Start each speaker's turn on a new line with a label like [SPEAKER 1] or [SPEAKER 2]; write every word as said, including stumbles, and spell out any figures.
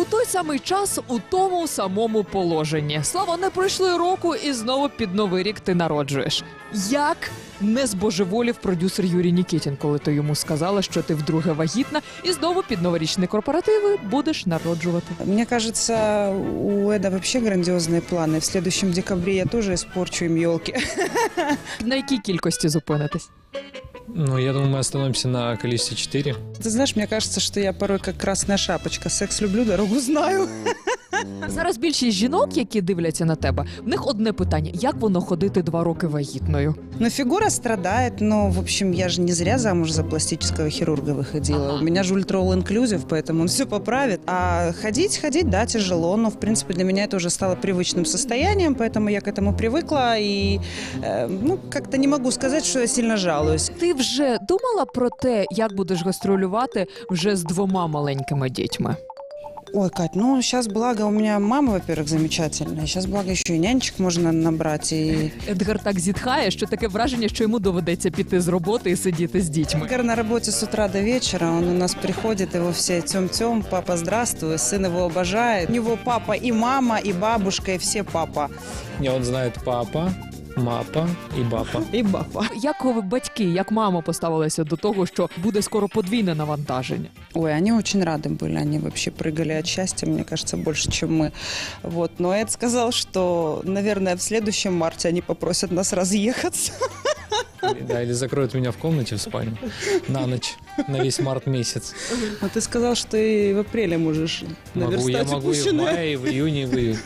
[SPEAKER 1] той самий час у тому самому положенні. Слава, не пройшли року і знову під Новий рік ти народжуєш. Як не збожеволів продюсер Юрій Нікітін, коли ти йому сказала, що ти вдруге вагітна, і знову під новорічні корпоративи будеш народжувати?
[SPEAKER 2] Мне кажется, у Эда вообще грандиозные планы. В следующем декабре я тоже испорчу им елки.
[SPEAKER 1] На якій кількості зупинитись?
[SPEAKER 3] Ну, я думаю, мы остановимся на количестве четыре.
[SPEAKER 2] Ты знаешь, мне кажется, что я порой как красная шапочка. Секс люблю, дорогу знаю.
[SPEAKER 1] Зараз більшість жінок, які дивляться на тебе, в них одне питання: як воно ходити два роки вагітною?
[SPEAKER 2] Но фигура страдает, но, в общем, я же не зря замуж за пластического хирурга выходила.
[SPEAKER 1] Ага.
[SPEAKER 2] У меня же ультра all-inclusive, поэтому он все поправит. А ходить, ходить, да, тяжело, но, в принципе, для меня это уже стало привычным состоянием, поэтому я к этому привыкла и, э, ну, как-то не могу сказать, что я сильно жалуюсь.
[SPEAKER 1] Ти вже думала про те, як будеш гастролювати вже з двома маленькими дітьми?
[SPEAKER 2] Ой, Кать, ну сейчас благо у меня мама, во-первых, замечательная. Сейчас благо еще и нянечек можно набрать. И...
[SPEAKER 1] Едгар так зітхає, що таке враження, що йому доведеться піти з роботи і сидіти з дітьми.
[SPEAKER 2] Эдгар на работе с утра до вечера, он у нас приходит, его все тем-тем, папа, здравствуй, сын его обожает. У него папа и мама, и бабушка, и все папа.
[SPEAKER 3] Не, он знает папа, мапа и бапа.
[SPEAKER 2] И папа.
[SPEAKER 1] Як ви, батьки, як мама поставилися до того, що буде скоро подвійне навантаження?
[SPEAKER 2] Ой, они очень рады были, они вообще прыгали от счастья, мне кажется, больше, чем мы. Вот. Но Эд сказал, что, наверное, в следующем марте они попросят нас разъехаться.
[SPEAKER 3] Или- Да, или закроют меня в комнате в спальне на ночь, на весь март месяц.
[SPEAKER 2] А ты сказал, что и в апреле можешь
[SPEAKER 3] Могу, я
[SPEAKER 2] наверстать
[SPEAKER 3] могу и в
[SPEAKER 2] упущенное.
[SPEAKER 3] мае, и в июне, и в июне.